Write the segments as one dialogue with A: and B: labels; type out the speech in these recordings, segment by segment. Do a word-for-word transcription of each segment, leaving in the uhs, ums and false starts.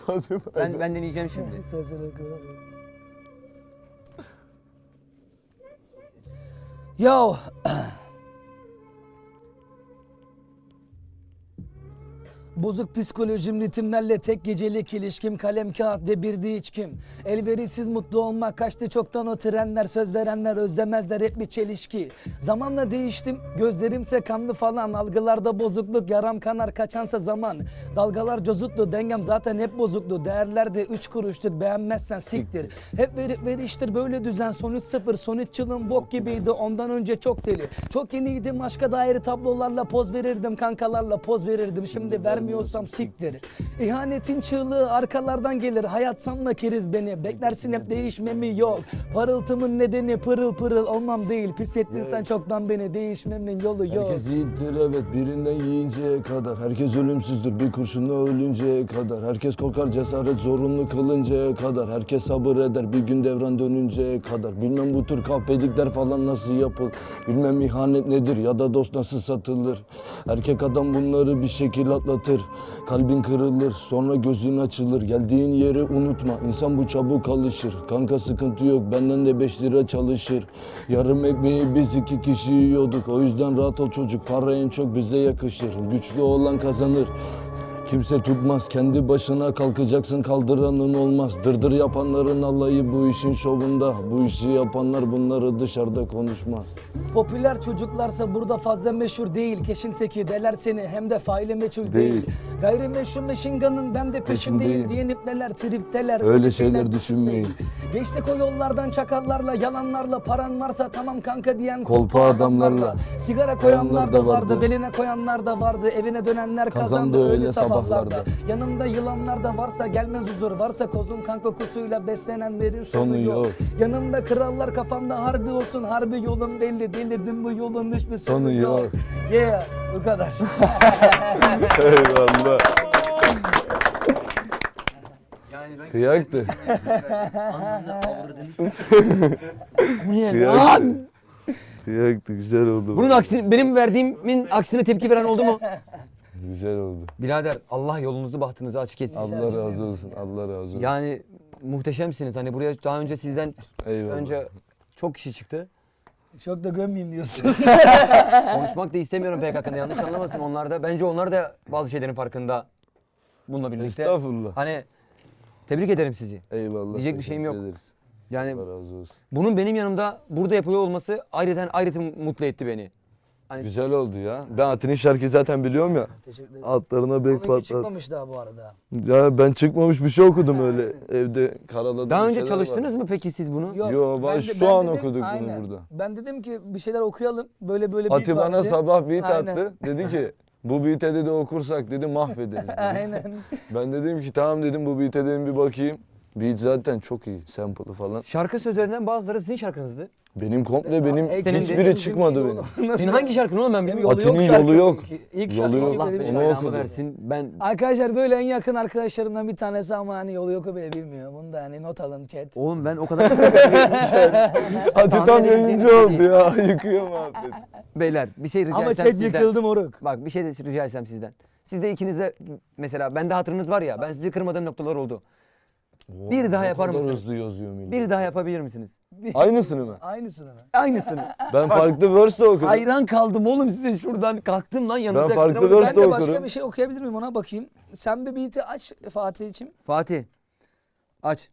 A: Hadi
B: Ben, ben deneyeceğim şimdi.
C: Sesini koy. Yo. Bozuk psikolojim, ritimlerle tek gecelik ilişkim, kalem kağıt ve bir de içkim. Elverişsiz mutlu olmak, kaçtı çoktan o trenler, söz verenler özlemezler, hep bir çelişki. Zamanla değiştim, gözlerimse kanlı falan, algılarda bozukluk, yaram kanar kaçansa zaman. Dalgalar cozutlu, dengem zaten hep bozuklu, değerlerde üç kuruştur, beğenmezsen siktir. Hep verip veriştir böyle düzen, son üç sıfır, son üç yılım bok gibiydi, ondan önce çok deli. Çok yeniydim, aşka dair tablolarla poz verirdim, kankalarla poz verirdim, şimdi ver vermiyorsam siktir. İhanetin çığlığı arkalardan gelir. Hayat sanma keriz beni. Beklersin hep değişmemi yok. Parıltımın nedeni pırıl pırıl olmam değil. Pis ettin evet. Sen çoktan beni. Değişmemin yolu yok.
A: Herkes yiğittir evet birinden yiyinceye kadar. Herkes ölümsüzdür bir kurşunla ölünceye kadar. Herkes korkar cesaret zorunlu kılıncaya kadar. Herkes sabır eder bir gün devran dönünceye kadar. Bilmem bu tür kahpelikler falan nasıl yapılır. Bilmem ihanet nedir ya da dost nasıl satılır. Erkek adam bunları bir şekil atlatır. Kalbin kırılır, sonra gözün açılır. Geldiğin yeri unutma, insan bu çabuk alışır. Kanka sıkıntı yok, benden de beş lira çalışır. Yarım ekmeği biz iki kişi yiyorduk. O yüzden rahat ol çocuk, para en çok bize yakışır. Güçlü olan kazanır. Kimse tutmaz, kendi başına kalkacaksın, kaldıranın olmaz. Dırdır yapanların alayı bu işin şovunda. Bu işi yapanlar bunları dışarıda konuşmaz.
C: Popüler çocuklarsa burada fazla meşhur değil. Keşin teki deler seni hem de faili meçhul değil, değil. Gayrimeşhur meşinganın ben de peşindeyim diyen ipneler tripteler.
A: Öyle, öyle şeyler, şeyler düşünmeyin.
C: Geçtik o yollardan çakallarla, yalanlarla, paran varsa tamam kanka diyen
A: kolpa adamlarla. adamlarla.
C: Sigara koyanlar da vardı, beline koyanlar da vardı. Evine dönenler kazandı, kazandı öyle sabah. Yanımda yılanlar da varsa gelmez huzur. Varsa kozun kan kokusuyla beslenenlerin sonu, sonu yok. yok. Yanımda krallar kafamda harbi olsun. Harbi yolum belli, delirdim bu yolun hiçbir sonu, sonu yok. yok. Yeah, bu kadar.
A: Eyvallah.
B: Yani ben
A: Kıyaktı.
B: Kıyaktı.
A: Kıyaktı, güzel oldu.
B: Bunun aksine, benim verdiğimin aksine tepki veren oldu mu?
A: Güzel oldu.
B: Birader Allah yolunuzu bahtınızı açık etsin.
A: Allah razı olsun. Allah razı olsun.
B: Yani muhteşemsiniz. Hani buraya daha önce sizden Eyvallah. önce çok kişi çıktı.
C: Çok da gömmeyeyim diyorsun.
B: Konuşmak da istemiyorum P K K'nda, yanlış anlamasın onlar da. Bence onlar da bazı şeylerin farkında bununla birlikte.
A: Estağfurullah.
B: Hani tebrik ederim sizi.
A: Eyvallah.
B: Diyecek bir şeyim yok.
A: Ederiz.
B: Yani
A: Allah razı olsun.
B: Bunun benim yanımda burada yapılıyor olması ayrıca ayrıca mutlu etti beni.
A: Hani... Güzel oldu ya. Ben Atin'in şarkıyı zaten biliyorum ya.
C: Teşekkür ederim.
A: Altlarına bek patlat.
C: çıkmamış daha bu arada.
A: Ya ben çıkmamış bir şey okudum öyle evde karaladım.
B: Daha önce çalıştınız var. mı peki siz bunu?
C: Yok.
A: Yo, ben, şu ben an dedim, okuduk aynen. bunu burada.
C: Ben dedim ki bir şeyler okuyalım. Böyle böyle
A: Ati bana
C: dedi.
A: sabah beat aynen. attı. Dedi ki bu beat'e dedi okursak dedi mahvederiz.
C: Aynen.
A: Ben dedim ki tamam dedim bu beat'e dedim bir bakayım. Beat zaten çok iyi, sample'ı falan.
B: Şarkı sözlerinden bazıları sizin şarkınızdı.
A: Benim komple benim
C: Senin
A: hiçbiri
C: de,
A: çıkmadı benim.
B: Senin hangi şarkın oğlum ben bilmiyorum.
A: Atin'in yolu yok.
C: İlk
A: yolu yok.
B: Allah belanı versin. Ben
C: Arkadaşlar böyle en yakın arkadaşlarımdan bir tanesi ama hani yolu yok bile bilmiyor. Bunu da hani not alın chat.
B: Oğlum ben o kadar
A: Ati tam yayıncı oldu ya. Yıkıyor muhabbet.
B: Beyler bir şey rica
C: ama
B: etsem
C: chat
B: sizden.
C: yıkıldı moruk.
B: Bak bir şey de rica etsem sizden. Siz de ikiniz de mesela bende hatırınız var ya, ben sizi kırmadığım noktalar oldu.
A: Oo,
B: bir daha yapar mısınız?
A: Hızlı yazıyor millet.
B: Bir daha yapabilir misiniz?
A: Aynısını mı?
C: Aynısını mı?
B: Aynısını.
A: Ben farklı verse de okudum.
B: Hayran kaldım oğlum size şuradan. Kalktım lan yanınıza.
A: Ben farklı
B: kusura bakmayın.
A: verse
C: Ben
A: de
C: de başka
A: okurum.
C: bir şey okuyabilir miyim ona bakayım. Sen bir beat'i aç Fatih'ciğim.
B: Fatih. Aç.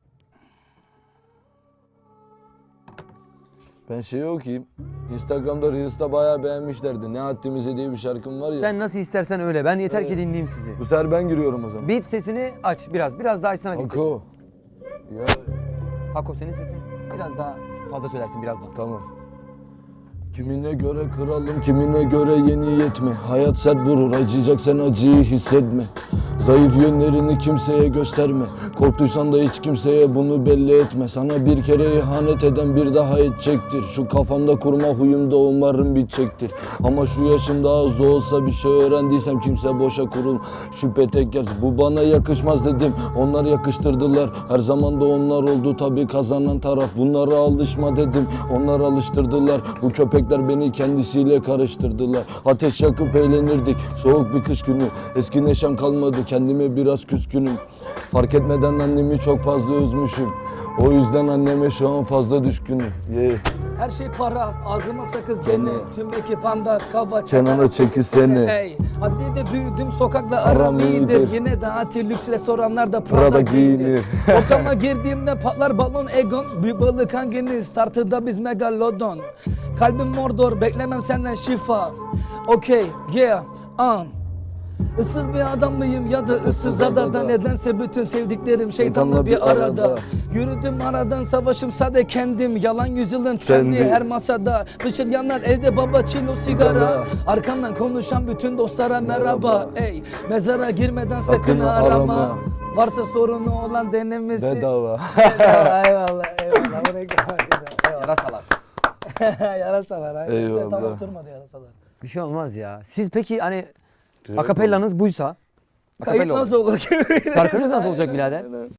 A: Ben şeyi okuyayım. Instagram'da Reels'ta bayağı beğenmişlerdi. Ne haddimize diye bir şarkım var ya.
B: Sen nasıl istersen öyle. Ben yeter ki dinleyeyim sizi.
A: Bu sefer ben giriyorum o zaman.
B: Beat sesini aç biraz. Biraz daha açsana beat sesini.
A: Hako. Ya
B: Hako senin sesin. Biraz daha fazla söylersin birazdan.
A: tamam. Kimine göre kralım, kimine göre yeni yetme. Hayat sert vurur, acıyacak sen acıyı hissetme. Zayıf yönlerini kimseye gösterme. Korktuysan da hiç kimseye bunu belli etme. Sana bir kere ihanet eden bir daha edecektir. Şu kafamda kurma huyumda umarım bitecektir. Ama şu yaşımda az da olsa bir şey öğrendiysem kimse boşa kurul. Şüphe tek yer. Bu bana yakışmaz dedim. Onlar yakıştırdılar. Her zaman da onlar oldu tabii kazanan taraf. Bunlara alışma dedim. Onlar alıştırdılar. Bu köpek Köpekler beni kendisiyle karıştırdılar. Ateş yakıp eğlenirdik soğuk bir kış günü. Eski neşem kalmadı, kendime biraz küskünüm. Fark etmeden annemi çok fazla üzmüşüm. O yüzden anneme şu an fazla düşkünüm. Yeah.
C: Her şey para, ağzıma sakız gene. Tüm ekip anda kava
A: Kenara çekilsene.
C: Ey, adliyede büyüdüm, sokakla
A: Aram
C: aram iyidir.
A: iyidir.
C: Yine de anti lüks restoranlarda Prada,
A: Prada
C: giyinir.
A: giyinir.
C: Ortama girdiğimde patlar balon egon. Büyük balık hanginiz? Startıda biz megalodon. Kalbim mordor, beklemem senden şifa. Okey, yeah, um. Issız bir adam mıyım ya da ıssız adada? Nedense bütün sevdiklerim şeytanla bir arada. Yürüdüm aradan, savaşım sade kendim. Yalan yüzyılın trendi
A: Trendi.
C: her masada. Bıçır yanar elde baba çilo sigara.
A: Sigara.
C: Arkamdan konuşan bütün dostlara merhaba.
A: Merhaba.
C: Ey, mezara girmeden sakın,
A: Sakın
C: arama.
A: arama.
C: Varsa sorunu olan denemesi.
A: Bedava.
C: Bedava, eyvallah eyvallah. Buraya eyvallah.
B: Yarasalar.
C: Yarasalar. Aynen.
A: Eyvallah.
C: Tam oturmadı yarasalar.
B: Bir şey olmaz ya. Siz peki hani akapellanız buysa
C: Kayıt
B: akapella
C: nasıl olur ki?
B: Şarkınız nasıl olacak birader?